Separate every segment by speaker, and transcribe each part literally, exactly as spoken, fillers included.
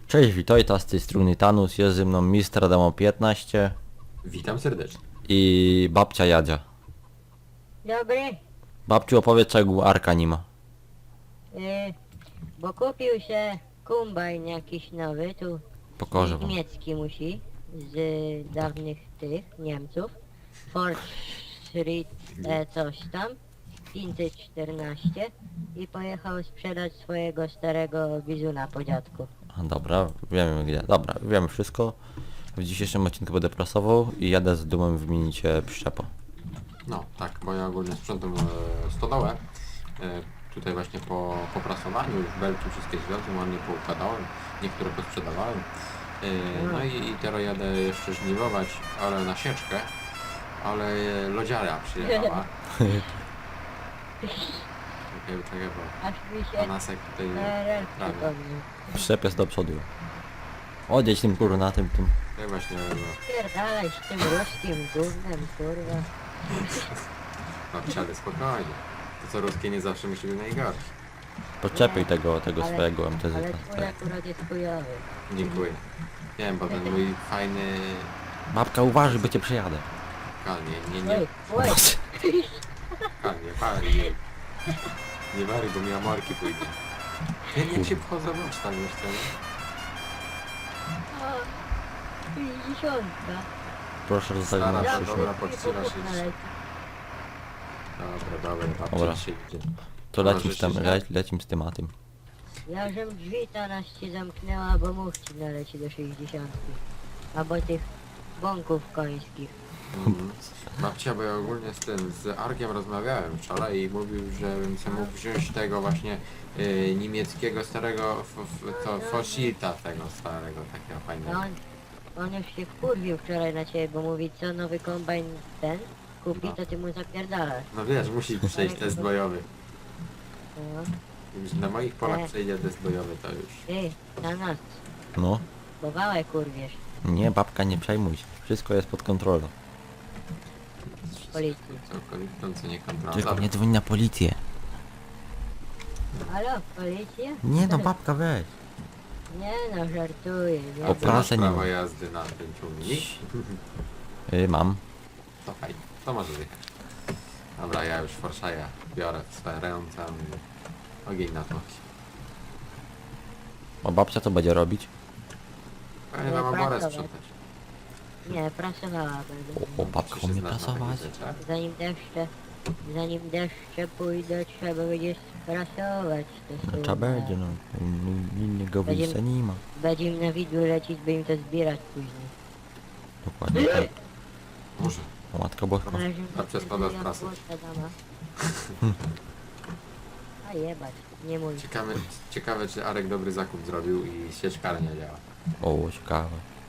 Speaker 1: Cześć, witajta, z tej strony Tanus, jest ze mną mister Adamo piętnaście
Speaker 2: Witam serdecznie.
Speaker 1: i babcia Jadzia.
Speaker 3: Dobry,
Speaker 1: Babciu, opowiedz, czego Arka nie ma.
Speaker 3: yy, bo kupił się kombajn jakiś nowy, tu
Speaker 1: Pokorzę wam.
Speaker 3: niemiecki musi, z dawnych tych Niemców. Ford Street e, coś tam, pięćset czternaście i pojechał sprzedać swojego starego bizuna po dziadku.
Speaker 1: A, dobra, wiemy gdzie. Dobra, wiemy wszystko. W dzisiejszym odcinku będę prasował i jadę z dumą wymienić e, przyczepę.
Speaker 2: No tak, bo ja ogólnie sprzątam e, stodołę. E, tutaj właśnie po, po prasowaniu już belki wszystkie zwiozłem, ładnie poukładałem, niektóre posprzedawałem. E, no i, i teraz jadę jeszcze żniwować, ale na sieczkę, ale e, lodziara przyjechała. Czekaj, czekaj, bo
Speaker 3: Aż mi się
Speaker 2: Anasek tutaj
Speaker 3: P R L
Speaker 2: prawie.
Speaker 3: przypomniał.
Speaker 1: Przyczep jest do przodu. Odjedź tym kurwa na tym, tym.
Speaker 2: Tak właśnie, no,
Speaker 3: Pierdalaj z tym ruskim gównem, kurwa.
Speaker 2: no wsiadę spokojnie. To co ruskie nie zawsze musi być najgorsze.
Speaker 1: Podczepiaj tego, tego
Speaker 3: Ale-
Speaker 1: swojego M T Z.
Speaker 3: Ale twój
Speaker 1: Tak.
Speaker 3: akurat jest chujowy.
Speaker 2: Dziękuję. Nie wiem, bo ten mój fajny...
Speaker 1: Babka, uważaj, bo cię przejadę.
Speaker 2: Kalnie, nie, nie,
Speaker 3: Oj, oj,
Speaker 2: kalnie, kalnie. Nie wary, bo mi amorki pójdzie. Jak, jak się wchodzą w oczy tam jeszcze, nie?
Speaker 3: o, pięćdziesiątka.
Speaker 1: Proszę zostawić
Speaker 2: Stara,
Speaker 1: na
Speaker 2: dobra,
Speaker 1: przyszłość.
Speaker 2: dobra, podtrzymasz się. Dobra, dobra,
Speaker 1: Dobra.
Speaker 2: babcia się idzie.
Speaker 1: To
Speaker 2: Może
Speaker 1: lecim z tym,
Speaker 2: się-
Speaker 1: le, lecim z tematem.
Speaker 3: Ja żem drzwi teraz ci zamknęła, bo muchci naleci do sześćdziesiątki. Albo tych bąków końskich.
Speaker 2: Mhm. Babcia, bo ja ogólnie z tym, z Arkiem rozmawiałem wczoraj i mówił, że bym sobie mógł wziąć tego właśnie y, niemieckiego starego, f, f, to Fosilta tego starego, takiego
Speaker 3: A
Speaker 2: fajnego.
Speaker 3: on, on już się wkurwił wczoraj na ciebie, bo mówi, co nowy kombajn ten kupi,
Speaker 2: No.
Speaker 3: to ty mu zapierdalasz.
Speaker 2: No wiesz, musi przejść test bojowy.
Speaker 3: No.
Speaker 2: Już na moich polach
Speaker 3: E.
Speaker 2: przejdzie test bojowy, to już.
Speaker 3: Ty, na nas,
Speaker 1: No.
Speaker 3: bo wałę kurwiesz,
Speaker 1: Nie, babka, nie przejmuj się. Wszystko jest pod kontrolą.
Speaker 3: policji.
Speaker 2: Całkowitą, co nie kontrola.
Speaker 1: Tylko
Speaker 2: Dobra.
Speaker 1: nie dzwoń na policję.
Speaker 3: Halo, policja?
Speaker 1: Nie no, babka, weź.
Speaker 3: Nie no, żartuję. Nie,
Speaker 1: O,
Speaker 2: Ty masz
Speaker 1: prasę nie
Speaker 2: prawo
Speaker 1: ma.
Speaker 2: jazdy na tym ciągnik?
Speaker 1: Y, mam.
Speaker 2: To fajnie, to może jechać. Dobra, ja już Forszaja biorę w swoje ręce i ogień na tłoki.
Speaker 1: A babcia co będzie robić?
Speaker 2: Fajnie
Speaker 3: Nie,
Speaker 2: wam oborę
Speaker 3: pracować.
Speaker 2: sprzątać.
Speaker 3: nie, pracowała będę.
Speaker 1: O, o babka
Speaker 2: Czy się
Speaker 1: umie
Speaker 2: znasz na
Speaker 1: prasować.
Speaker 2: takich rzeczach?
Speaker 3: Zanim deszcze, zanim deszcze pójdą, trzeba będzie sprasować to
Speaker 1: No
Speaker 3: słowo.
Speaker 1: trzeba będzie, no. In- Innego
Speaker 3: Będziemy-
Speaker 1: wyjścia nie ma.
Speaker 3: Będzie im na widły lecieć, by im to zbierać później.
Speaker 1: Dokładnie tak.
Speaker 2: Może.
Speaker 1: O, Matka Boska.
Speaker 3: Ale że
Speaker 2: A przez pada z prasy.
Speaker 3: płota dama. A jebać, nie mój.
Speaker 2: Ciekawe, ciekawe czy Arek dobry zakup zrobił i sieczkarnia działa.
Speaker 1: O, ciekawe.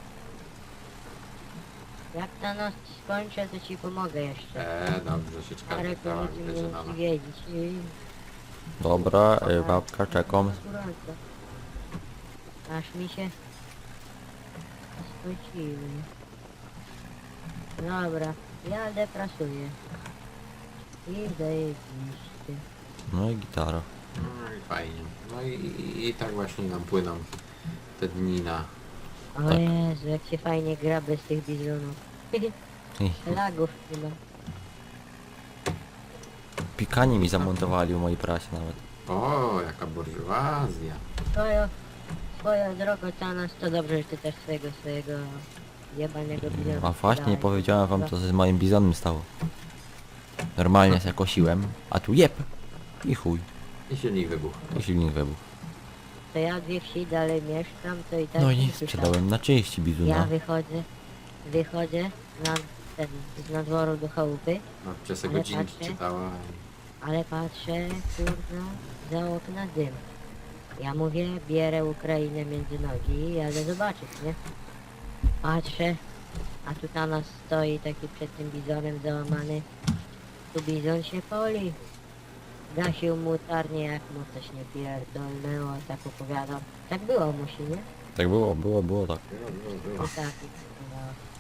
Speaker 3: Jak ta noc skończę, to ci pomogę jeszcze.
Speaker 2: Eee, dobrze, sieczkarnia
Speaker 3: Arek to
Speaker 2: działa,
Speaker 3: nic
Speaker 2: widać,
Speaker 3: nie
Speaker 2: że
Speaker 3: musi
Speaker 2: nowa.
Speaker 3: wiedzieć. I...
Speaker 1: Dobra, y, babka, czekam.
Speaker 3: Gorąco. Aż mi się spociły. Dobra, jadę, prasuję. I zajebiście.
Speaker 1: No i gitara.
Speaker 2: No i fajnie. No i, i, i tak właśnie nam płyną te dni na...
Speaker 3: O
Speaker 1: Tak.
Speaker 3: Jezu, jak się fajnie gra bez tych bizonów.
Speaker 1: I
Speaker 3: Lagów chyba.
Speaker 1: pikanie mi zamontowali u mojej prasie nawet.
Speaker 2: O, jaka burżuazja.
Speaker 3: Swoją, swoją drogą ta nas to dobrze, że ty też swojego, swojego jebanego bizona.
Speaker 1: A właśnie, nie
Speaker 3: sprzedałeś.
Speaker 1: powiedziałem wam, co się z moim bizonem stało. Normalnie się kosiłem, a tu jeb. I chuj.
Speaker 2: I silnik wybuchł.
Speaker 1: I silnik wybuchł.
Speaker 3: To ja dwie wsi dalej mieszkam, to i tak
Speaker 1: No
Speaker 3: nie
Speaker 1: i
Speaker 3: słyszałem.
Speaker 1: sprzedałem na części
Speaker 3: Ja
Speaker 1: bizuna.
Speaker 3: wychodzę, wychodzę na ten, z nadworu do chałupy,
Speaker 2: Babcia se
Speaker 3: Ale
Speaker 2: godzinki
Speaker 3: patrzę.
Speaker 2: czytała.
Speaker 3: ale patrzę, kurwa, za okna dym. Ja mówię, bierę Ukrainę między nogi i jadę zobaczyć, nie? Patrzę, a tu na nas stoi taki przed tym bizonem załamany. Tu bizon się poli. Gasił mu tarnię, jak mu coś nie pierdolnęło, tak opowiadał. Tak było musi, nie?
Speaker 1: Tak było, było, było tak.
Speaker 2: Było, było, było.
Speaker 3: I tak. No.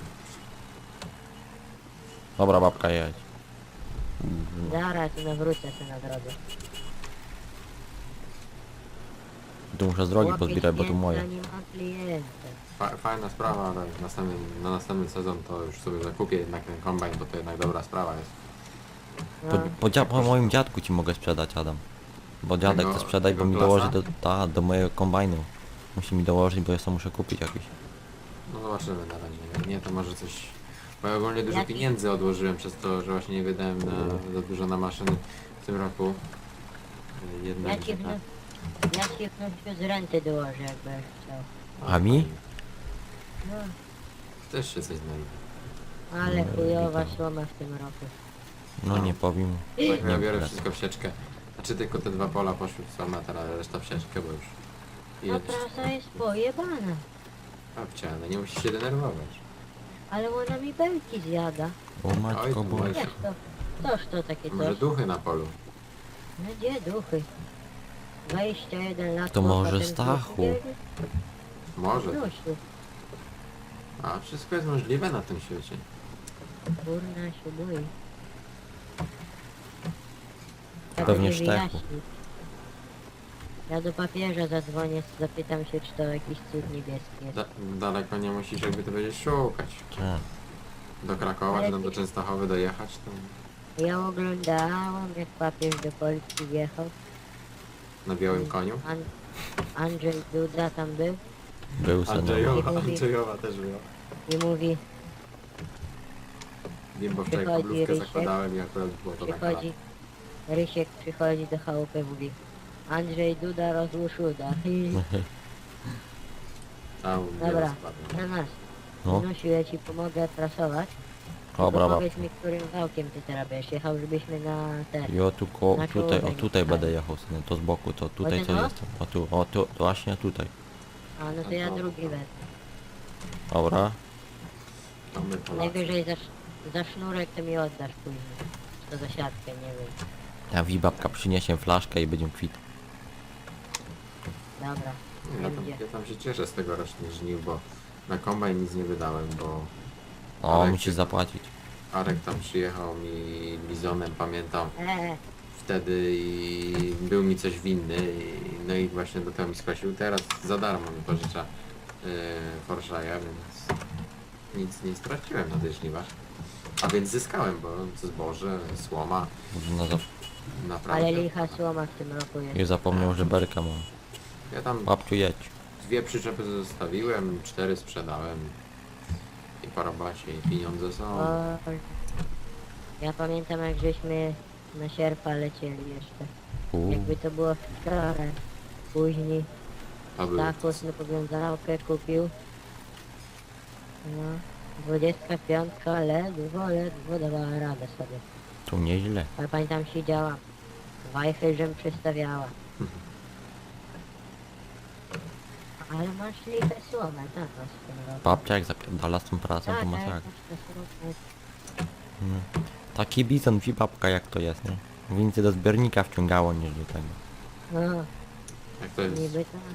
Speaker 1: Dobra, babka, jedź.
Speaker 3: Zaraz nawrócę się na drodze.
Speaker 1: Tu muszę z drogi
Speaker 3: Łapię
Speaker 1: pozbierać, bo tu
Speaker 3: śnieg,
Speaker 1: moje.
Speaker 3: zanim odlije
Speaker 2: Fa fajna sprawa, ale następny, na następny sezon to już sobie zakupię jednak ten kombajn, bo to jednak dobra sprawa jest.
Speaker 1: Po,
Speaker 3: No,
Speaker 1: po, dzia- po moim dziadku ci mogę sprzedać, Adam. Bo dziadek
Speaker 2: Tego-
Speaker 1: chce sprzedać, bo
Speaker 2: tego
Speaker 1: mi
Speaker 2: klasa?
Speaker 1: dołoży do, ta, do mojego kombajnu. Musi mi dołożyć, bo ja sam muszę kupić jakiś.
Speaker 2: No zobaczymy na razie. Jak nie, to może coś... Bo ja ogólnie dużo
Speaker 3: Jaki-
Speaker 2: pieniędzy odłożyłem przez to, że właśnie nie wydałem na, za dużo na maszyny w tym roku. Jednak,
Speaker 3: ja ci
Speaker 2: że
Speaker 3: w,
Speaker 2: tak.
Speaker 3: ja ci w nościu z renty dołożę, jakbyś chciał.
Speaker 1: A mi?
Speaker 3: No,
Speaker 2: Też się coś znajdzie.
Speaker 3: ale
Speaker 1: No,
Speaker 3: chujowa
Speaker 1: witam.
Speaker 3: słoma w tym roku.
Speaker 1: No nie powiem.
Speaker 2: Tak, ja
Speaker 1: Nie,
Speaker 2: biorę
Speaker 1: nie.
Speaker 2: wszystko w sieczkę. Znaczy tylko te dwa pola poszły w sam, a teraz reszta w sieczkę, bo już...
Speaker 3: A
Speaker 2: Jest.
Speaker 3: prasa jest pojebana.
Speaker 2: Babcia, no nie musisz się denerwować.
Speaker 3: Ale ona mi belki zjada.
Speaker 1: O
Speaker 2: Oj,
Speaker 1: matko
Speaker 2: to
Speaker 1: boże.
Speaker 3: Jak to? Toż to takie
Speaker 2: Może
Speaker 3: coś?
Speaker 2: duchy na polu.
Speaker 3: No gdzie duchy? dwadzieścia jeden lat.
Speaker 1: To
Speaker 3: chłopa,
Speaker 1: może
Speaker 3: ten
Speaker 1: Stachu?
Speaker 3: duch
Speaker 2: Może.
Speaker 3: biegnie? Nosiu,
Speaker 2: A wszystko jest możliwe na tym świecie.
Speaker 3: kurna się boi. Tak
Speaker 1: Pewnie
Speaker 3: mi
Speaker 1: Sztechu.
Speaker 3: wyjaśni. Ja do papieża zadzwonię, zapytam się, czy to jakiś cud niebieski jest.
Speaker 2: Da daleko nie musisz jakby to będziesz szukać.
Speaker 1: Tak.
Speaker 2: Do Krakowa,
Speaker 3: Ale
Speaker 2: czy tam do
Speaker 3: ty-
Speaker 2: Częstochowy dojechać, to
Speaker 3: Ja oglądałam, jak papież do Polski wjechał.
Speaker 2: na białym koniu.
Speaker 3: An Andrzej Duda tam był
Speaker 1: Był sen.
Speaker 2: Andrzejowa,
Speaker 3: Mówi-
Speaker 2: Andrzejowa też była.
Speaker 3: i mówi,
Speaker 2: Wiem, bo wczoraj
Speaker 3: Przychodzi
Speaker 2: kablówkę
Speaker 3: Rysiek.
Speaker 2: zakładałem i akurat było to taka...
Speaker 3: przychodzi, Rysiek przychodzi do chałupy, mówi, Andrzej Duda rozłóż uda.
Speaker 2: Tam
Speaker 3: Dobra,
Speaker 2: spadłem.
Speaker 3: na nas.
Speaker 1: No.
Speaker 3: Nusiu, ja ci pomogę prasować.
Speaker 1: Dobra,
Speaker 3: Tylko
Speaker 1: bab.
Speaker 3: powiedz mi, którym wałkiem ty teraz będziesz jechał, żebyśmy na ten...
Speaker 1: Jo, tu ko,
Speaker 3: Na
Speaker 1: tutaj, o
Speaker 3: człowiek,
Speaker 1: tutaj
Speaker 3: tak.
Speaker 1: będę jechał, synu, to z boku, to tutaj
Speaker 3: ten
Speaker 1: co
Speaker 3: o?
Speaker 1: jestem. O tu, o tu, właśnie tutaj.
Speaker 3: A, no to ja drugi wezmę.
Speaker 1: Dobra.
Speaker 2: To my Polacy.
Speaker 3: Najwyżej za, sz- za sznurek to mi oddasz później. Czy to za siatkę, nie wiem.
Speaker 1: Ja wi babka przyniesie flaszkę i będziemy kwit.
Speaker 3: Dobra,
Speaker 2: Ja tam,
Speaker 3: będzie.
Speaker 2: ja tam się cieszę z tegorocznych żniw, bo na kombajn nic nie wydałem, bo
Speaker 1: O,
Speaker 2: Ale
Speaker 1: musisz
Speaker 2: ty-
Speaker 1: zapłacić.
Speaker 2: Arek tam przyjechał mi bizonem, pamiętam,
Speaker 3: Eee,
Speaker 2: wtedy i był mi coś winny, i, no i właśnie do tego mi skosił. Teraz za darmo mi pożycza yy, Forszaja, więc nic nie straciłem na tych żniwach. A więc zyskałem, bo zboże, słoma,
Speaker 1: Może na zap...
Speaker 2: naprawdę.
Speaker 3: ale licha słoma w tym roku jest.
Speaker 1: Nie zapomniał, że berka mam.
Speaker 2: Ja tam
Speaker 1: Babciu, jedź.
Speaker 2: dwie przyczepy zostawiłem, cztery sprzedałem i po robocie i pieniądze są.
Speaker 3: O, ja pamiętam, jak żeśmy na sierpa lecieli jeszcze.
Speaker 1: U,
Speaker 3: Jakby to było wczoraj. Później
Speaker 2: To był
Speaker 3: Stachus na powiązałkę kupił. No, dwudziestka piątka ledwo, ledwo dawała radę sobie.
Speaker 1: tu nieźle.
Speaker 3: Ale pamiętam siedziała. Wajchy, żem przystawiała. Ale masz lichę słomę, tak, masz w tym roku.
Speaker 1: Babcia jak zapierdala z tą pracą, to
Speaker 3: Tak,
Speaker 1: ma
Speaker 3: tak,
Speaker 1: tak.
Speaker 3: masz te słomę.
Speaker 1: No. Taki bizon, wi babka jak to jest, nie? Więcej do zbiornika wciągało niż do tego.
Speaker 3: No,
Speaker 2: jak to jest.
Speaker 3: niby tak.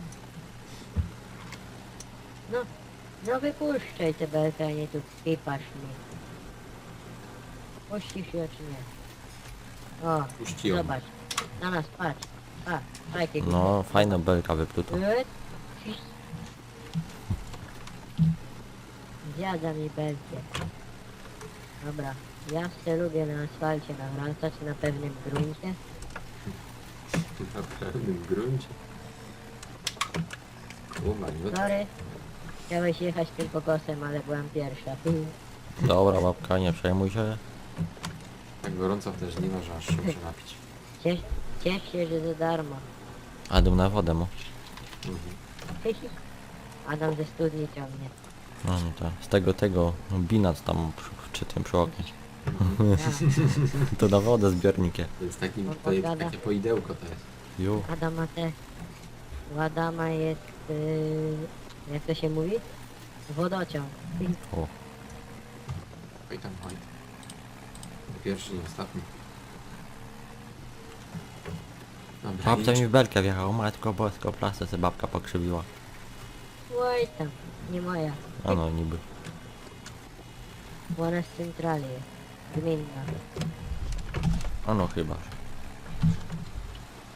Speaker 3: No, no wypuszczaj te belkę, a nie tu pipasz mi. Puścisz ją czy nie? O,
Speaker 2: Puści ją.
Speaker 3: zobacz. Na nas, patrz. Patrz, fajki.
Speaker 1: No, fajna belka wypluta.
Speaker 3: Zjada mi belkę. Dobra, ja se lubię na asfalcie nawracać na pewnym gruncie.
Speaker 2: Na pewnym gruncie. Umań, no to
Speaker 3: Sorry, chciałeś jechać tym pokosem, ale byłam pierwsza.
Speaker 1: Dobra, babka, nie przejmuj się.
Speaker 2: tak gorąco w te żniwa, że aż się muszę napić.
Speaker 3: Ciesz, ciesz się, że za darmo.
Speaker 1: Adam na wodę mu.
Speaker 2: Mhm.
Speaker 3: Adam ze studni ciągnie.
Speaker 1: No, no to z tego, tego, binac tam przy, przy tym przy oknie.
Speaker 3: Ja,
Speaker 1: To na wodę zbiornikiem.
Speaker 2: To jest taki,
Speaker 3: On
Speaker 2: to jest
Speaker 3: powiada.
Speaker 2: takie poidełko to jest.
Speaker 1: Ju.
Speaker 3: Adam ma te... U Adama jest... Yy, jak to się mówi? Wodociąg.
Speaker 1: O.
Speaker 2: Oj tam, oj. Pierwszy, nie ostatni. Dobra,
Speaker 1: Babcia
Speaker 2: idź.
Speaker 1: mi w belkę wjechała, matko bosko, plasę se babka pokrzywiła.
Speaker 3: Oj tam, nie moja.
Speaker 1: A no, niby.
Speaker 3: Ona z centrali jest. Gminna.
Speaker 1: A no chyba.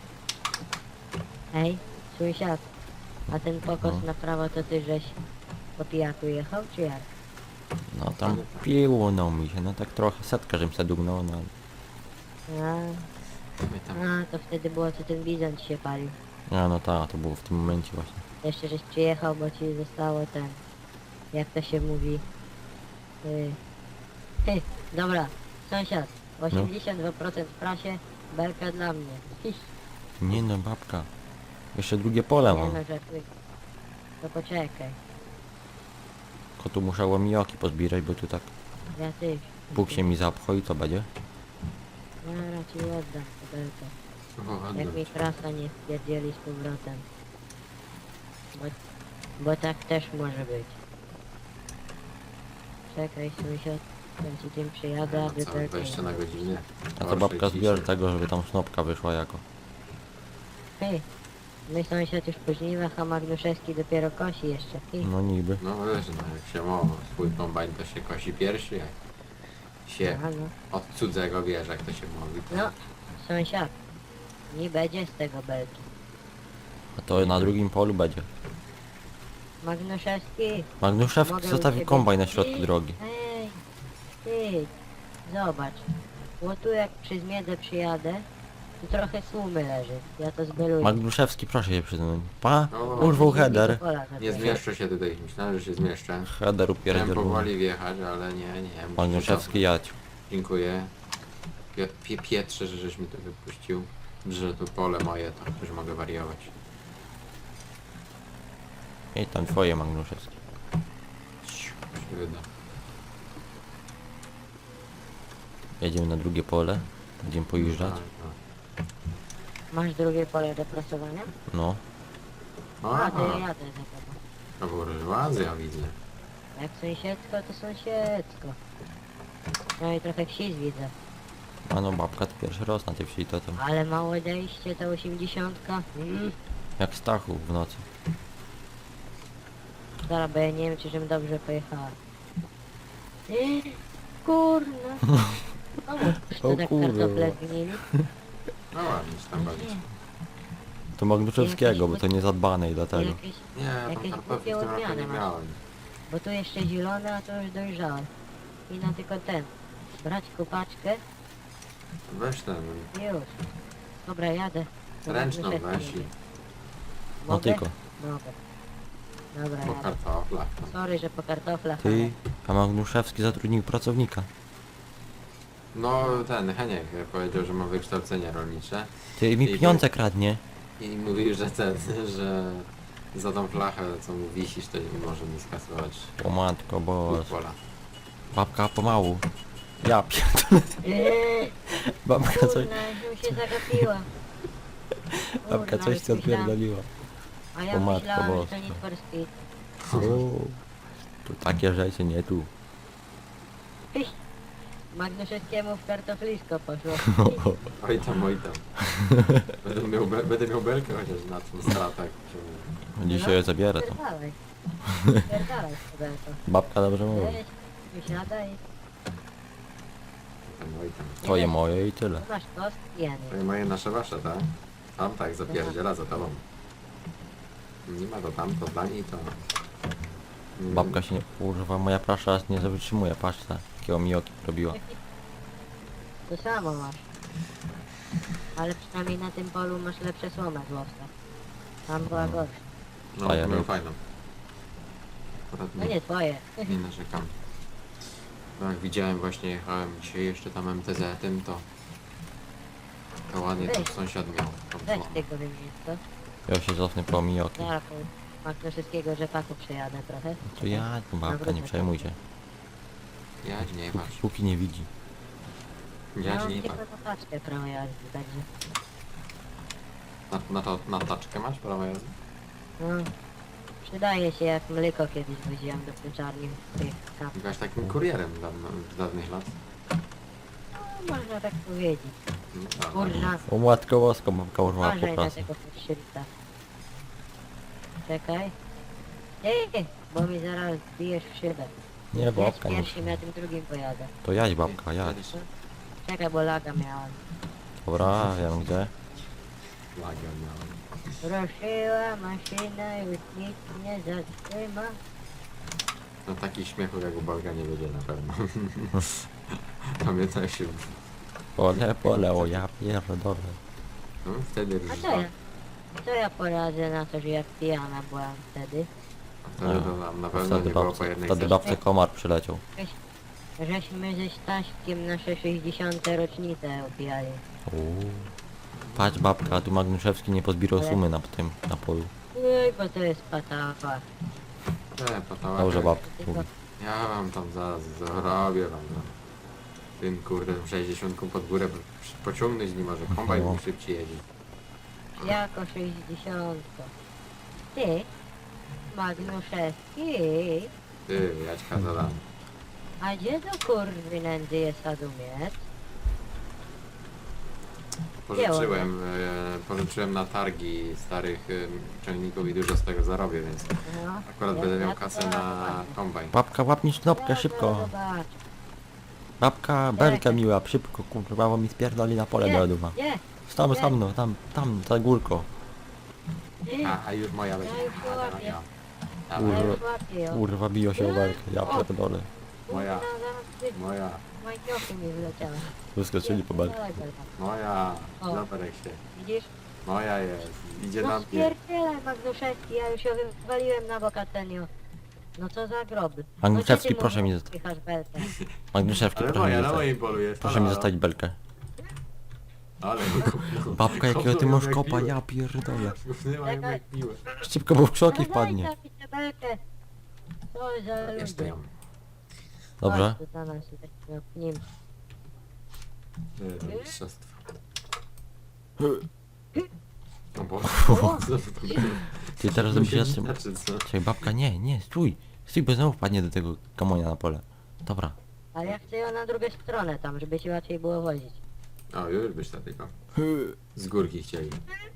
Speaker 3: Ej, sąsiad. A ten pokos
Speaker 1: No.
Speaker 3: na prawo to ty żeś po pijaku jechał, czy jak?
Speaker 1: No tam piło no mi się, no tak trochę, setkę żem se dugnął, no.
Speaker 3: A,
Speaker 2: My tam...
Speaker 3: a, to wtedy było, co ten bizon ci się palił.
Speaker 1: A no tak, to było w tym momencie właśnie.
Speaker 3: Jeszcze żeś przyjechał, bo ci zostało ten... Jak to się mówi? Yy. Ty, dobra, sąsiad. osiemdziesiąt dwa procent w prasie, belka dla mnie. Hiś,
Speaker 1: Nie no, babka. Jeszcze drugie pole
Speaker 3: nie
Speaker 1: mam.
Speaker 3: no, żartuję. To poczekaj,
Speaker 1: Tylko tu muszę łomijoki pozbierać, bo tu tak
Speaker 3: ja też.
Speaker 1: Bóg się mi zapchał i co będzie?
Speaker 3: Ja raczej oddam tę belkę.
Speaker 2: O, ładnie.
Speaker 3: Jak mi krasa nie wpierdzieli z powrotem. Bo, bo tak też może być. Czekaj sąsiad, ten ci tym przyjadę,
Speaker 2: No,
Speaker 3: aby
Speaker 2: całe
Speaker 3: belkę...
Speaker 2: dwadzieścia na godzinę.
Speaker 1: A to
Speaker 2: Orszej
Speaker 1: babka
Speaker 2: dzisiaj.
Speaker 1: zbierze tego, żeby tam snopka wyszła jako.
Speaker 3: Hej, my sąsiad już po żniwach, a Magnuszewski dopiero kosi jeszcze. Hej,
Speaker 1: No niby.
Speaker 2: No wiesz, no jak się ma swój kombajn, to się kosi pierwszy, jak się
Speaker 3: no, no.
Speaker 2: od cudzego bierze, jak to się mówi.
Speaker 3: No, sąsiad, nie będzie z tego belki.
Speaker 1: A to na drugim polu będzie.
Speaker 3: Magnuszewski,
Speaker 1: Magnuszewski
Speaker 3: mogę u
Speaker 1: zostawił
Speaker 3: ciebie-
Speaker 1: kombajn na środku
Speaker 3: Ej,
Speaker 1: drogi.
Speaker 3: Ej, ty, zobacz. Bo tu jak przy zmiedę przyjadę, tu trochę słumy leży. Ja to zbeluję.
Speaker 1: Magnuszewski, proszę się przyznać. Pa,
Speaker 2: O,
Speaker 1: urwał header.
Speaker 2: Nie zmieszczę się tutaj, myślałem, że się zmieszczę.
Speaker 1: Header
Speaker 2: Chciałem
Speaker 1: upierdziel.
Speaker 2: powoli wjechać, ale nie, nie. muszę
Speaker 1: Magnuszewski jadź.
Speaker 2: Dziękuję. Pie, pie, Pietrze, że żeś mi to wypuścił. Że to pole moje, to już mogę wariować.
Speaker 1: I tam twoje Magnuszewski.
Speaker 2: Ciu, się wyda.
Speaker 1: Jedziemy na drugie pole. Będziemy pojeżdżać.
Speaker 2: Tak,
Speaker 3: Masz drugie pole do prasowania?
Speaker 1: No.
Speaker 2: no.
Speaker 3: A, to ja
Speaker 2: Aha,
Speaker 3: jadę za tobą.
Speaker 2: to burżuazja widzę.
Speaker 3: Jak sąsiedzko, to sąsiedzko. No i trochę wsi widzę.
Speaker 1: A no babka to pierwszy raz na tej wsi to tam.
Speaker 3: Ale mało odejście, ta osiemdziesiątka. Mm.
Speaker 1: Jak Stachu w nocy.
Speaker 3: Dobra, bo ja nie wiem, czy żebym dobrze pojechała. Eee, kurna. O, to
Speaker 1: O
Speaker 3: tak
Speaker 1: kurwa.
Speaker 3: kartofle zgnili.
Speaker 2: No ładnie się tam bawić.
Speaker 1: To Magnuszewskiego, bo to nie zadbane i dlatego.
Speaker 3: Jakieś,
Speaker 2: Nie, tam
Speaker 3: Jakieś
Speaker 2: kartofli w
Speaker 3: głupie
Speaker 2: tym roku
Speaker 3: odmiany
Speaker 2: nie
Speaker 3: masz.
Speaker 2: miałem.
Speaker 3: bo tu jeszcze zielone, a to już dojrzałe. I na tylko ten. Brać kopaczkę
Speaker 2: Weź ten,
Speaker 3: i już. Dobra, jadę. To
Speaker 2: ręczną
Speaker 3: Magnuszewski
Speaker 2: weź
Speaker 3: jedzie.
Speaker 2: i
Speaker 1: No
Speaker 3: Mogę?
Speaker 1: tylko.
Speaker 3: Mogę. Dobra,
Speaker 2: po
Speaker 3: jadę.
Speaker 2: kartoflach. tam.
Speaker 3: Sorry, że po kartoflach,
Speaker 1: Ty, a Magnuszewski zatrudnił pracownika.
Speaker 2: No ten Heniek powiedział, że ma wykształcenie rolnicze
Speaker 1: Ty mi
Speaker 2: I-
Speaker 1: pieniądze kradnie.
Speaker 2: i mówił, że ten, że za tą flachę, co mu wisisz, to nie może mi skasować
Speaker 1: O matko, bo
Speaker 2: pola.
Speaker 1: babka pomału. Ja pierdolę.
Speaker 3: ale... Eee,
Speaker 1: Babka coś,
Speaker 3: kurna, już się zagapiła.
Speaker 1: babka
Speaker 3: Kurna,
Speaker 1: coś
Speaker 3: już
Speaker 1: ci
Speaker 3: myślałam-
Speaker 1: odpierdoliła.
Speaker 3: A ja
Speaker 1: O matko
Speaker 3: myślałam, że to
Speaker 1: boska.
Speaker 3: Need for Speed.
Speaker 1: O, tu takie rzeczy, nie tu.
Speaker 3: Hyś. Magnuszewskiemu w kartoflisko poszło.
Speaker 2: Oj tam, oj tam. Będę miał, be, będę miał belkę chociaż na tym stratach.
Speaker 1: Dzisiaj je zabiorę to.
Speaker 3: Pierdalaj. Pierdalaj studenko.
Speaker 1: Babka dobrze mówi.
Speaker 3: Weź, wysiadaj.
Speaker 2: Tam, oj tam.
Speaker 1: Twoje moje i tyle.
Speaker 3: Tu masz kostki, ja nie.
Speaker 2: To moje nasze wasze, tak? Tam tak, zapierdziela za tobą. Nie ma to tam, to dla niej to... Mm,
Speaker 1: Babka się nie używa, moja prasza aż nie wytrzymuje, patrz ta, jakiego mijoki robiła.
Speaker 3: To samo masz. Ale przynajmniej na tym polu masz lepsze słomę z łowca. Tam była gorsza.
Speaker 2: No,
Speaker 1: Fajer.
Speaker 2: miał fajną. Akurat
Speaker 3: No
Speaker 2: nie,
Speaker 3: nie twoje.
Speaker 2: nie narzekam. No jak widziałem właśnie, jechałem dzisiaj jeszcze tam M T Z tym, to... To ładnie
Speaker 3: Weź.
Speaker 2: to sąsiad miał. tą
Speaker 3: Weź
Speaker 2: słomę.
Speaker 3: tego wymienić, co?
Speaker 1: Ja się cofnę po mijoki.
Speaker 3: Zaraz po Magnuszewskiego rzepaku przejadę trochę.
Speaker 1: To ja, tu babka, nie przejmuj się.
Speaker 2: Jadź, nie
Speaker 1: Póki,
Speaker 2: patrz.
Speaker 1: póki nie widzi.
Speaker 3: Ja
Speaker 2: Jadź,
Speaker 3: mam
Speaker 2: nie
Speaker 3: tylko
Speaker 2: patrz.
Speaker 3: notaczkę prawo jazdy, także...
Speaker 2: Na, na, to, na taczkę masz prawo jazdy?
Speaker 3: No, przydaje się jak mleko kiedyś woziłem do pieczarni w tych kap.
Speaker 2: Byłaś takim kurierem dawno, z dawnych lat.
Speaker 3: No, można tak powiedzieć.
Speaker 2: No, tak,
Speaker 3: Kurna,
Speaker 1: O matko bosko, babka urwała po
Speaker 3: uważaj na
Speaker 1: pracy.
Speaker 3: tego forszyta. Czekaj. Ej, bo mi zaraz zbijesz w szybę.
Speaker 1: Nie,
Speaker 3: Jedź
Speaker 1: babka nie.
Speaker 3: pierwszym, ja tym drugim pojadę.
Speaker 1: To jadź babka, jadź.
Speaker 3: Czekaj, bo laga miałem.
Speaker 1: Dobra, wiem gdzie.
Speaker 2: Lagia miałem.
Speaker 3: Ruszyła maszyna, już nikt nie zatrzyma.
Speaker 2: No takich śmiechów jak u Boga nie będzie na pewno. Pamiętam się,
Speaker 1: Pole, pole, o ja pierdolę.
Speaker 2: no wtedy
Speaker 3: A
Speaker 2: już
Speaker 3: co ja? Co ja poradzę na to, że jak pijana byłam wtedy?
Speaker 2: wtedy to nam na pewno
Speaker 1: Wtedy
Speaker 2: nie było po
Speaker 1: babce,
Speaker 2: jednej
Speaker 1: wtedy
Speaker 2: sesji.
Speaker 1: babce komar przyleciał.
Speaker 3: Żeśmy ze Staśkiem nasze sześćdziesiąte rocznicę opijali.
Speaker 1: Uuu. Patrz babka, tu Magnuszewski nie pozbierał
Speaker 3: Ale-
Speaker 1: sumy na tym napoju.
Speaker 3: Ej, bo to jest patawa.
Speaker 2: E, patała,
Speaker 1: Dobrze
Speaker 2: tak.
Speaker 1: babka mówi.
Speaker 2: Ja wam tam zaraz zrobię wam no. Tym kurde sześćdziesiątką pod górę przy- pociągnąć nie może, kombajn
Speaker 1: No.
Speaker 2: mi szybciej jedzie.
Speaker 3: Jako sześćdziesiątka. Ty? Magnuszewski?
Speaker 2: Ty, Jaćka zadam.
Speaker 3: A gdzie do kurwy nędzy jest Adumiec?
Speaker 2: Pożyczyłem, e, pożyczyłem na targi starych e, ciągników i dużo z tego zarobię, więc
Speaker 3: No,
Speaker 2: akurat
Speaker 3: ja-
Speaker 2: będę
Speaker 3: ja
Speaker 2: miał
Speaker 3: to
Speaker 2: kasę na
Speaker 3: zobaczę.
Speaker 2: kombajn.
Speaker 1: Babka, łapnij
Speaker 3: Ja
Speaker 1: knopkę,
Speaker 3: to
Speaker 1: szybko.
Speaker 3: zobaczę.
Speaker 1: Babka, belkę miła, szybko, kurwa, bo mi spierdoli na pole
Speaker 3: Nie,
Speaker 1: do duma.
Speaker 3: Nie,
Speaker 1: Tam,
Speaker 3: nie.
Speaker 1: tam, no, tam, tam, za górko.
Speaker 3: nie.
Speaker 2: A, a już moja będzie.
Speaker 3: Ja już
Speaker 2: A,
Speaker 3: łapię.
Speaker 2: dobra, ja.
Speaker 3: Ja
Speaker 2: Dawaj,
Speaker 1: Kurwa.
Speaker 3: już łapię ją.
Speaker 1: Kurwa, biją się o belkę, ja pierdolę.
Speaker 2: moja,
Speaker 3: Kurwa, zaraz ty-
Speaker 2: moja,
Speaker 3: Majciochy mi wleciały.
Speaker 1: Wyskoczyli po belkę.
Speaker 3: Dawaj, belka.
Speaker 2: moja,
Speaker 3: O.
Speaker 2: zabrek się.
Speaker 3: Widzisz?
Speaker 2: Moja jest, idzie na
Speaker 3: No
Speaker 2: mnie.
Speaker 3: spierdzielaj Magnuszewski, ja już ją wywaliłem na bokatenio. No co za groby.
Speaker 1: Magnuszewski,
Speaker 3: No, gdzie ty
Speaker 1: proszę
Speaker 3: mu
Speaker 1: mi zostać.
Speaker 3: wpychasz belkę?
Speaker 1: Magnuszewski,
Speaker 2: Ale
Speaker 1: proszę mi
Speaker 2: moja, na
Speaker 1: zostać.
Speaker 2: moim polu jest.
Speaker 1: Proszę
Speaker 2: halo,
Speaker 1: mi
Speaker 2: halo.
Speaker 1: zostawić belkę.
Speaker 2: Ale
Speaker 1: Babka, jakiego ty masz
Speaker 2: jak
Speaker 1: kopa,
Speaker 2: miłe.
Speaker 1: ja pierdolę.
Speaker 2: Gównywa jak
Speaker 3: Czekaj.
Speaker 2: miłe.
Speaker 1: Szybko, bo w krzoki
Speaker 3: No
Speaker 1: wpadnie.
Speaker 3: daj mi tę belkę. Co za
Speaker 2: Jeszcze
Speaker 3: ludzie.
Speaker 2: ją.
Speaker 1: Dobrze?
Speaker 3: Chodź tu na nas, jesteśmy w nim.
Speaker 2: Nie, to mistrzostwo. No bo...
Speaker 1: Ty teraz bym się zatrzymał.
Speaker 2: Znaczy co?
Speaker 1: Czekaj, babka, nie, nie, stój. Stój, bo znowu wpadnie do tego kamonia na pole. Dobra.
Speaker 3: Ale ja chcę ją na drugą stronę tam, żeby ci łatwiej było wozić.
Speaker 2: O, już byś to tylko. Z górki chcieli.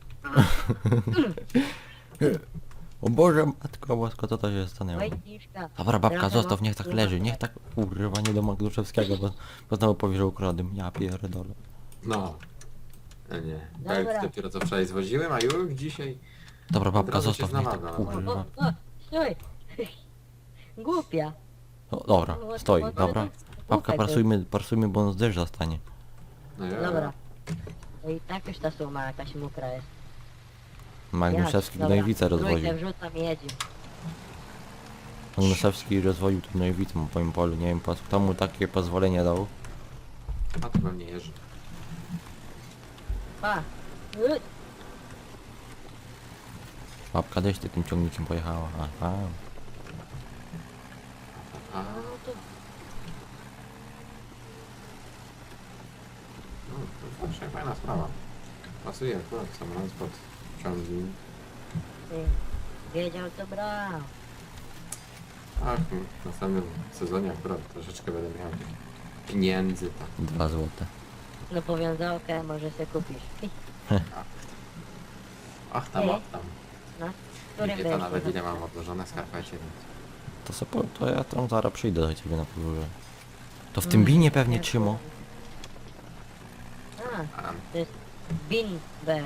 Speaker 1: O Boże, matko bosko, co to się stanęło?
Speaker 3: Wojtniszka.
Speaker 1: Dobra, babka,
Speaker 3: trochę
Speaker 1: zostaw,
Speaker 3: mam
Speaker 1: niech tak
Speaker 3: kurwa
Speaker 1: leży, niech tak, kurwa, nie do Magnuszewskiego, bo, bo znowu powie, że ukradłem. Ja pierdolę.
Speaker 2: No. A nie.
Speaker 3: Dobra.
Speaker 2: Belki dopiero co wczoraj zwoziłem, a już dzisiaj...
Speaker 1: Dobra,
Speaker 2: Od
Speaker 1: babka,
Speaker 2: razu się
Speaker 1: zostaw, niech tak,
Speaker 2: znalazła.
Speaker 3: O,
Speaker 1: kurwa.
Speaker 3: o, stój! Głupia.
Speaker 1: O, dobra, stoi, dobra. Babka, prasujmy, prasujmy, bo on z deszcz zastanie.
Speaker 2: No ja,
Speaker 3: Dobra. To i tak już ta suma jakaś mokra jest.
Speaker 1: Magnuszewski
Speaker 3: Ja-
Speaker 1: gnojowicę
Speaker 3: dobra,
Speaker 1: rozwoził.
Speaker 3: trójkę wrzucam i jedzie.
Speaker 1: Magnuszewski rozwoził tu gnojowicę po moim polu, nie wiem po co, kto mu takie pozwolenie dał.
Speaker 2: A to pewnie jeży.
Speaker 3: Pa! Y,
Speaker 1: Babka też ty tym ciągnikiem pojechała, aha.
Speaker 2: A,
Speaker 3: No to
Speaker 2: no, to zawsze fajna sprawa. Pasuje akurat samolot pod ciągnik.
Speaker 3: ty, wiedział co brał.
Speaker 2: Ach, m, w następnym sezonie akurat troszeczkę będę miał tych pieniędzy, tak.
Speaker 1: Dwa złote.
Speaker 3: No powiązałkę może se kupisz.
Speaker 2: Ach tam,
Speaker 3: Ej.
Speaker 2: ach tam.
Speaker 3: No,
Speaker 2: Nie
Speaker 3: którym
Speaker 2: wie to
Speaker 3: byłeś
Speaker 2: nawet
Speaker 3: na-
Speaker 2: ile mam odłożone w skarpecie, więc...
Speaker 1: To, se po, to ja tam zaraz przyjdę do ciebie na podwórze. To w
Speaker 3: Mm,
Speaker 1: tym binie pewnie
Speaker 3: nie,
Speaker 1: trzymo.
Speaker 3: A,
Speaker 2: A,
Speaker 3: to jest Bin Bear.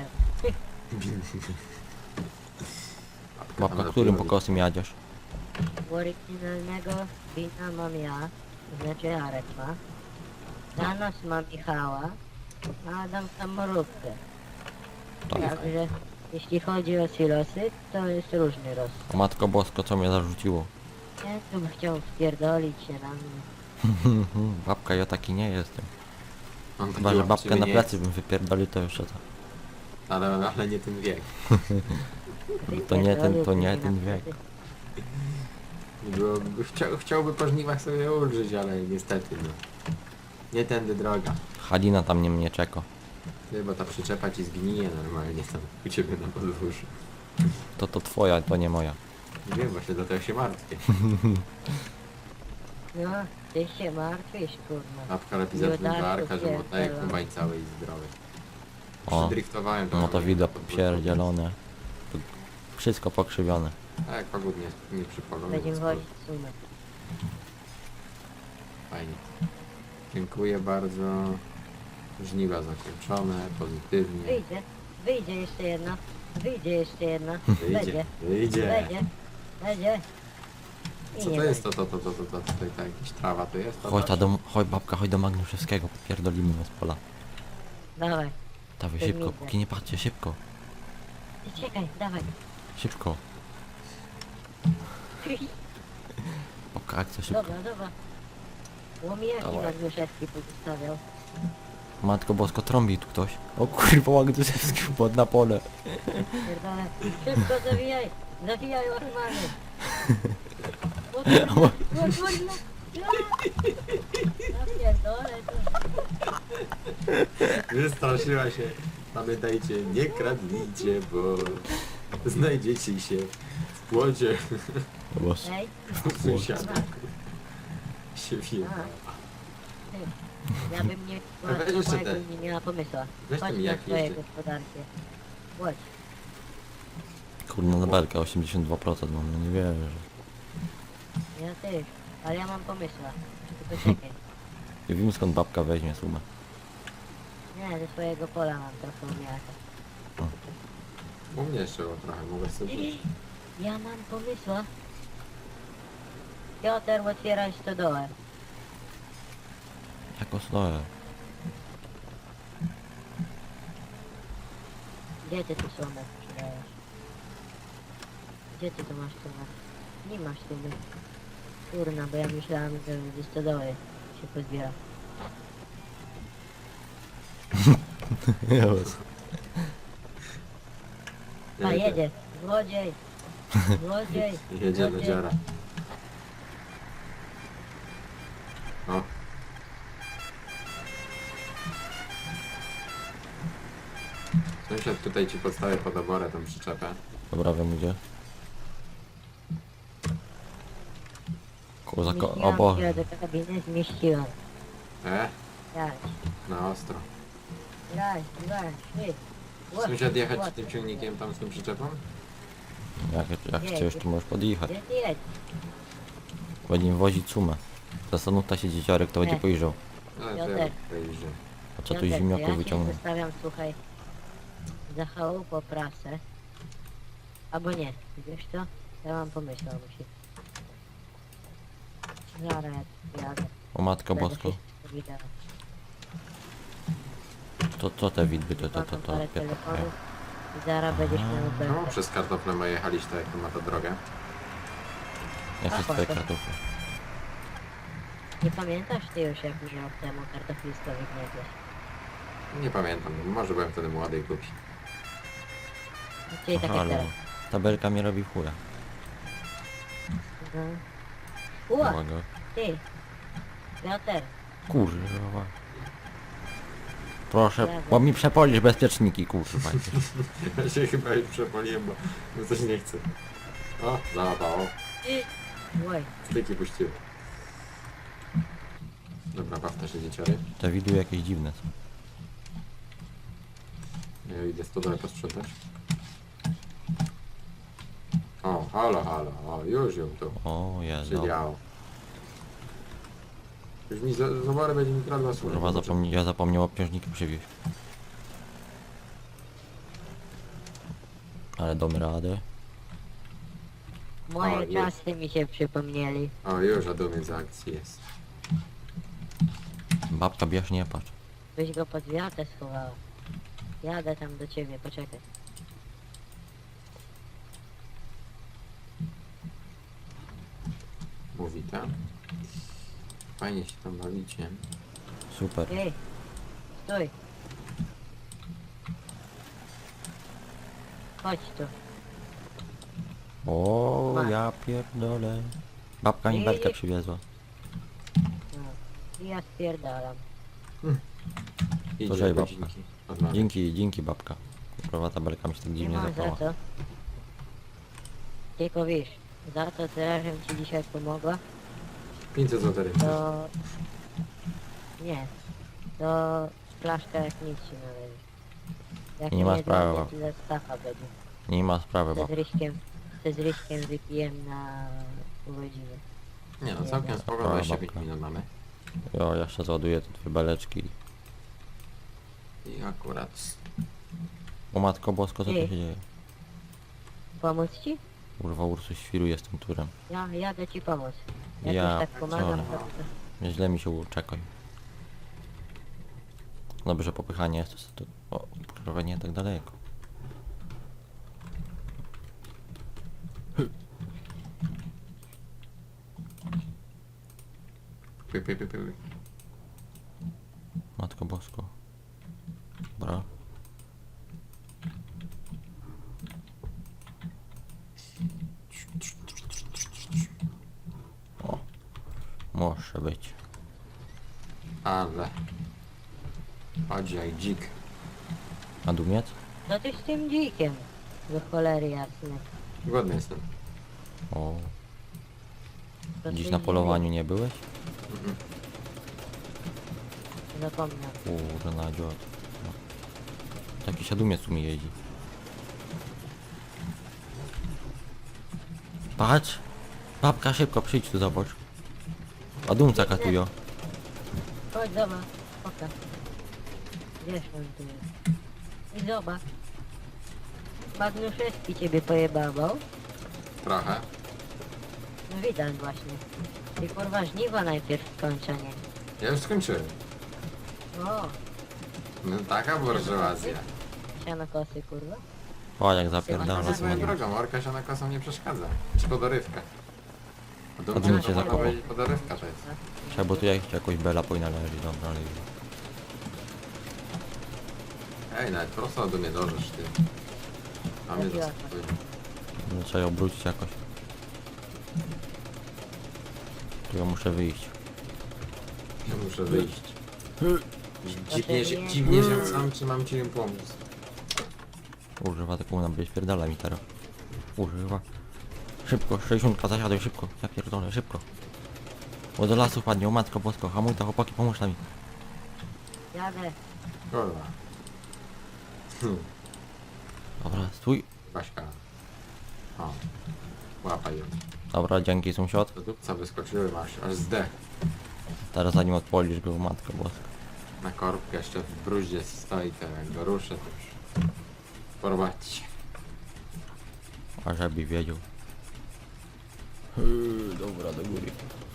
Speaker 1: Babka, którym pokosem jadziesz?
Speaker 3: Oryginalnego Bina mam ja, to znaczy Jarek ma. Danos ma Michała, a Adam samorówkę.
Speaker 1: Tak.
Speaker 3: Także jeśli chodzi o silosy, to jest różny roz.
Speaker 1: O matko bosko, co mnie zarzuciło?
Speaker 3: Ja tu bym chciał wpierdolić się na mnie.
Speaker 1: Babka, ja taki nie jestem.
Speaker 2: On taki
Speaker 1: Chyba, że babkę
Speaker 2: łapczywy
Speaker 1: na
Speaker 2: nie
Speaker 1: plecy bym wypierdolił, to jeszcze to.
Speaker 2: jest, Ale, ale nie ten wiek.
Speaker 1: To nie ten, to
Speaker 3: Wypierdolił
Speaker 1: nie
Speaker 3: mnie
Speaker 1: ten
Speaker 3: na
Speaker 1: wiek.
Speaker 3: plecy.
Speaker 2: Byłoby, chciał, chciałby po żniwach sobie ulżyć, ale niestety no. Nie tędy droga.
Speaker 1: Halina tam nie mnie czeka.
Speaker 2: Ty, bo ta przyczepa ci zgnije normalnie tam u ciebie na podwórzu.
Speaker 1: To to twoja, to nie moja.
Speaker 2: Nie wiem, właśnie dlatego się martwię.
Speaker 3: No, ty się martwisz, kurwa.
Speaker 2: Babka lepiej zatrudnić
Speaker 3: Jodaku,
Speaker 2: barka, że mu daje
Speaker 3: pierdolę.
Speaker 2: kombajn cały i zdrowy.
Speaker 1: O,
Speaker 2: Przydriftowałem
Speaker 1: no to
Speaker 2: normalnie
Speaker 1: widać
Speaker 2: na podwórku.
Speaker 1: pierdzielone. To wszystko pokrzywione.
Speaker 2: A jak pogód nie, nie przypolony,
Speaker 3: Będziemy
Speaker 2: więc
Speaker 3: wozić sumę.
Speaker 2: fajnie. Dziękuję bardzo. Żniwa zakończone, pozytywnie.
Speaker 3: Wyjdzie, wyjdzie jeszcze jedna, wyjdzie jeszcze jedna,
Speaker 2: Wyjdzie,
Speaker 3: będzie,
Speaker 2: wyjdzie.
Speaker 3: będzie, będzie. I
Speaker 2: Co
Speaker 3: nie
Speaker 2: to jest to,
Speaker 3: będzie.
Speaker 2: to, to, to, to, to, tutaj ta jakaś trawa to jest? To
Speaker 1: Chodź
Speaker 2: to?
Speaker 1: ta do, chodź babka, chodź do Magnuszewskiego, popierdolimy was z pola.
Speaker 3: Dawaj.
Speaker 1: Dawaj
Speaker 3: To
Speaker 1: szybko,
Speaker 3: nigdy.
Speaker 1: póki nie patrzcie, szybko,
Speaker 3: Ty czekaj, dawaj.
Speaker 1: szybko. Babka, akcja szybko.
Speaker 3: Dobra, dobra. Łomijaki
Speaker 1: Dawaj.
Speaker 3: Magnuszewski pozostawiał.
Speaker 1: Matko bosko, trąbi tu ktoś. O kurwa, Magnuszewski pod na pole.
Speaker 3: Pierdolę. Szybko zawijaj! Zawijaj łachmany! O kurwa! O kurwa! Ja pierdolę to.
Speaker 2: Wystraszyła się. Pamiętajcie, nie kradnijcie, bo znajdziecie się w płocie
Speaker 1: Boże.
Speaker 3: Ej,
Speaker 2: sąsiada. Się wie.
Speaker 3: ty. Ja bym nie
Speaker 2: A weź jeszcze
Speaker 3: mojego
Speaker 2: te.
Speaker 3: nie miała pomysła.
Speaker 2: Weź
Speaker 3: Chodź
Speaker 2: tam
Speaker 3: na
Speaker 2: jak
Speaker 3: swoje
Speaker 2: jeszcze.
Speaker 3: gospodarkie. Chodź.
Speaker 1: Kurna na belkę, osiemdziesiąt dwa procent mam, no nie wierzę.
Speaker 3: Ja też. Ale ja mam pomysła. Tylko czekaj.
Speaker 1: Nie wiem skąd babka weźmie sumę.
Speaker 3: Nie, ze swojego pola mam trochę umiaka.
Speaker 2: U mnie jeszcze było trochę, mogę sobie rzucić.
Speaker 3: Ja mam pomysła. Piotr, otwieraj stodołę.
Speaker 1: Jak osnoję.
Speaker 3: Gdzie ty tu sumę sprzedajesz? Gdzie ty tu masz sumę? Nie masz sumy. Kurna, bo ja myślałem, że ze stodoły się pozbiera. A jedzie. Złodziej. Złodziej.
Speaker 2: Jedzie do
Speaker 3: Złodziej.
Speaker 2: dziara. O. Sąsiad tutaj ci podstawię pod oborę tą przyczepę.
Speaker 1: Dobra, wiem gdzie. Koło zako... O
Speaker 3: Zmieściłam
Speaker 1: Boże.
Speaker 3: się do kabiny, zmieściłam.
Speaker 2: E?
Speaker 3: Jadź.
Speaker 2: Na ostro.
Speaker 3: Raz, dwa, trzy. Ło-
Speaker 2: Sąsiad jechać
Speaker 3: ło-
Speaker 2: tym ciągnikiem tam z tą przyczepą?
Speaker 1: Jak, jak
Speaker 3: Nie,
Speaker 1: chcesz, to możesz podjechać.
Speaker 3: Gdzie ty jedź?
Speaker 1: Będziemy wozić sumę. Zastanów ta się dzieciarek, to będzie
Speaker 3: Nie.
Speaker 1: pojrzał.
Speaker 2: No
Speaker 3: Ja
Speaker 2: to ja
Speaker 3: też.
Speaker 2: podejrzę.
Speaker 1: A co tu
Speaker 3: Piotrek,
Speaker 1: zimniaków
Speaker 3: ja ci
Speaker 1: wyciągnął?
Speaker 3: zostawiam, słuchaj, za chałupą prasę. Albo nie, wiesz co? Ja mam pomysł, musi. Zaraz ja jadę.
Speaker 1: O matko
Speaker 3: Będę
Speaker 1: bosko.
Speaker 3: wszystko widział.
Speaker 1: To co te widby, to to to
Speaker 3: Mam
Speaker 1: to.
Speaker 3: parę
Speaker 1: pier-
Speaker 3: telefonów i zaraz będziesz miał
Speaker 2: No,
Speaker 3: belkę.
Speaker 2: przez kartofle my jechaliście tak jak ma ta drogę.
Speaker 1: Jakie
Speaker 3: A,
Speaker 1: twoje
Speaker 3: potem.
Speaker 1: kartofle?
Speaker 3: Nie pamiętasz ty już jak rok temu kartoflisko wygnietłeś?
Speaker 2: Nie pamiętam, może byłem wtedy młody i głupi.
Speaker 3: Czyli
Speaker 1: Aha,
Speaker 3: takie
Speaker 1: ale
Speaker 3: teraz.
Speaker 1: tabelka mi robi chuja.
Speaker 3: No. Ło,
Speaker 1: Uwaga.
Speaker 3: ty! Piotr,
Speaker 1: Kurwa. Proszę,
Speaker 3: Brawo.
Speaker 1: bo mi przepolisz bezpieczniki, kurwa.
Speaker 2: Ja się chyba już przepoliłem, bo bo coś nie chcę. O, załapało.
Speaker 3: oj,
Speaker 2: Styki puściły. Dobra, baw też dzieciary.
Speaker 1: Te widły jakieś dziwne są.
Speaker 2: Ja idę stodole posprzątać. O, halo, halo, o, już ją tu
Speaker 1: O Jezu.
Speaker 2: przydziało. Już mi za, za morę będzie mi kradła sól.
Speaker 1: Kurwa, zapomni ja zapomniał obciążnika przywieźć. Ale damy radę.
Speaker 3: moje
Speaker 2: O, jest.
Speaker 3: czasy mi się przypomnieli.
Speaker 2: O, już adumiec za akcji jest.
Speaker 1: Babka bierz, nie patrz.
Speaker 3: Byś go pod wiatę schowała. Jadę tam do ciebie, poczekaj.
Speaker 2: Mówi tam. Fajnie się tam bawicie.
Speaker 1: Super.
Speaker 3: Ej, stój. Chodź tu.
Speaker 1: O,
Speaker 3: Masz.
Speaker 1: ja pierdolę. Babka mi
Speaker 3: Nie,
Speaker 1: belkę
Speaker 3: nie.
Speaker 1: przywiezła.
Speaker 3: No. I ja spierdalam.
Speaker 2: Idzie
Speaker 1: żej, babka.
Speaker 2: godzinki. Odmawiam.
Speaker 1: Dzięki, dzięki babka. Kurwa, ta belka mi się tak
Speaker 3: Nie
Speaker 1: dziwnie
Speaker 3: ma za
Speaker 1: zapała.
Speaker 3: co. Tylko wiesz, za to tyle, żebym ci dzisiaj pomogła,
Speaker 2: pięćset złotych.
Speaker 3: to... Nie. To flaszka jak nic się należy. Jak
Speaker 1: Nie ma
Speaker 3: nie
Speaker 1: sprawy,
Speaker 3: złapię,
Speaker 1: bab.
Speaker 3: to za stacha będzie.
Speaker 1: Nie ma sprawy,
Speaker 3: Ze z
Speaker 1: babka.
Speaker 3: Ryśkiem, ze z Ryśkiem wypijem na urodziny.
Speaker 2: Nie no, całkiem spoko,
Speaker 1: Dobra,
Speaker 2: dwadzieścia pięć
Speaker 1: babka.
Speaker 2: minut mamy.
Speaker 1: Jo, jeszcze załaduję te dwie beleczki.
Speaker 2: I akurat...
Speaker 1: O matko bosko, co tu
Speaker 3: Ej.
Speaker 1: się dzieje?
Speaker 3: Pomóc ci?
Speaker 1: Kurwa, Ursus świruje z tym turem.
Speaker 3: Ja jadę ci pomóc. Jak
Speaker 1: Ja
Speaker 3: już tak pomagam,
Speaker 1: pierdolę.
Speaker 3: to... to-
Speaker 1: Źle mi się uczekaj. Dobrze, popychanie jest to... O, kurwa, nie tak daleko.
Speaker 2: Py, py, py, py.
Speaker 1: Matko Bosko. Dobra. O. Może być.
Speaker 2: Ale. Chodź jak dzik.
Speaker 1: A dumiec?
Speaker 3: No ty z tym dzikiem. Do cholery jasne.
Speaker 2: Głodny jestem.
Speaker 1: O.
Speaker 3: To
Speaker 1: Dziś
Speaker 3: ty
Speaker 1: na
Speaker 3: nie
Speaker 1: polowaniu nie byłeś?
Speaker 2: Mhm.
Speaker 3: wiem, Zapomniał.
Speaker 1: Kurna dziot. No. Taki siadumiec tu mi jeździ. Patrz! Babka, szybko przyjdź tu, zobacz. A dumca katują.
Speaker 3: Chodź, zobacz. Oka. Wiesz, on tu jest. I zobacz. Magnuszewski ciebie pojebawał.
Speaker 2: Trochę.
Speaker 3: No widać właśnie. Ty kurwa żniwa najpierw skończenie.
Speaker 2: Ja już skończyłem.
Speaker 3: O,
Speaker 2: No taka burżuazja.
Speaker 3: siano kosy kurwa.
Speaker 1: O, jak
Speaker 2: Ale
Speaker 1: zapierdala.
Speaker 2: to swoją drogą, orka się na kosą nie przeszkadza. Czy podorywka. A
Speaker 1: A
Speaker 2: dumcie
Speaker 1: dumcie
Speaker 2: to można
Speaker 1: zakopał.
Speaker 2: powiedzieć podorywka to jest.
Speaker 1: Trzeba, bo tu jak, jakoś bela powinna leżeć, dobra, ale...
Speaker 2: Ej, nawet prosto do mnie dążysz ty. A mnie
Speaker 3: Zabiła
Speaker 2: zaskakuje.
Speaker 1: No, trzeba ją obrócić jakoś. Tu ja muszę wyjść.
Speaker 2: Ja muszę wyjść. Dziwnie, że, dziwnie, że sam czy mam ci pomóc.
Speaker 1: Używa taką na będzie spierdala mi teraz. Używa. Szybko, sześćdziesiąt zasiadaj szybko. Ja pierdolę, szybko. Bo do lasu padnie, o matko bosko, hamuj to chłopaki, pomóż mi.
Speaker 3: Jadę.
Speaker 2: Kurwa. Hm,
Speaker 1: Dobra, stój.
Speaker 2: Baśka. O. Łapaj ją.
Speaker 1: Dobra, dzięki sąsiad.
Speaker 2: Do dupca wyskoczyły masz, aż zdech.
Speaker 1: Teraz zanim odpolisz go, matko bosko.
Speaker 2: Na korbkę jeszcze w bruździe stoi, to jak go ruszę, to już porwać.
Speaker 1: A żeby wiedział. Yy, dobra, do góry.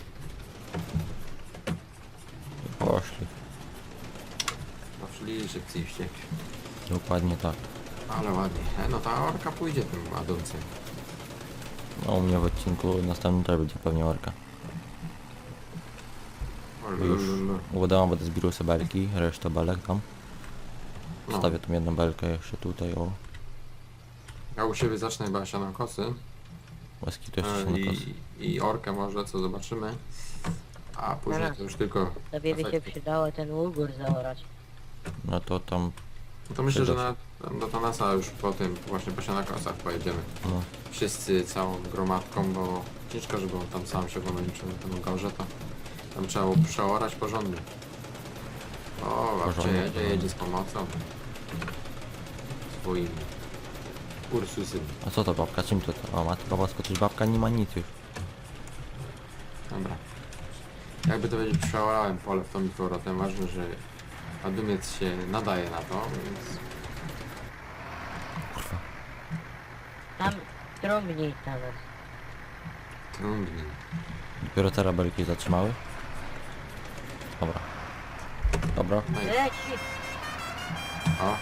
Speaker 1: I poszli.
Speaker 2: Poszli szybciej wściekli.
Speaker 1: Dokładnie tak.
Speaker 2: Ale ładnie. E, no ta orka pójdzie tym ładuncem.
Speaker 1: No u mnie w odcinku następnym też będzie pewnie orka. Bo już udało, będę zbierał sobie belki, resztę belek tam.
Speaker 2: No.
Speaker 1: Wstawię tą jedną belkę jeszcze tutaj, o.
Speaker 2: Ja u siebie zacznę chyba siano kosy.
Speaker 1: Łaski to jeszcze
Speaker 2: E,
Speaker 1: się na kosy.
Speaker 2: i, I orkę może, co zobaczymy. A później
Speaker 3: Zaraz.
Speaker 2: to już tylko...
Speaker 3: Tobie by się
Speaker 2: efekty.
Speaker 3: przydało ten ugór zaorać.
Speaker 1: No to tam,
Speaker 2: No to myślę, że
Speaker 1: Przyda
Speaker 2: na, do Tanasa już po tym, właśnie po siano kosach pojedziemy.
Speaker 1: no.
Speaker 2: Wszyscy całą gromadką, bo ciężko, żeby on tam sam się pomęczył na tym gorze, to tam trzeba było przeorać porządnie. O, babcia
Speaker 1: Porządnie,
Speaker 2: jedzie,
Speaker 1: porządnie.
Speaker 2: jedzie z pomocą. Swoim Ursusem.
Speaker 1: A co to babka? Czym to to? O matko bosko, coś babka nie ma nic już.
Speaker 2: Dobra. Jakby to powiedzieć, przeorałem pole w tą i powrotem. Ważne, że Adumiec się nadaje na to, więc
Speaker 1: Kurwa.
Speaker 3: Tam trąbnij teraz.
Speaker 2: trudniej.
Speaker 1: Dopiero teraz belki zatrzymały. Dobra. Dobra.
Speaker 2: No i
Speaker 3: Leci!
Speaker 2: o.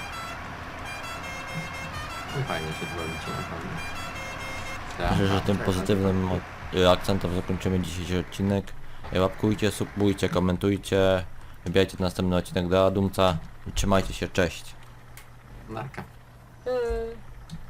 Speaker 2: No fajnie się tu robicie na pewno. Tak,
Speaker 1: Myślę, że
Speaker 2: tak,
Speaker 1: tym
Speaker 2: tak,
Speaker 1: pozytywnym y, akcentem zakończymy dzisiejszy odcinek. Y, Łapkujcie, subujcie, komentujcie. Wybierajcie następny odcinek do Adumca. Trzymajcie się, cześć.
Speaker 2: Narka.
Speaker 3: Yy.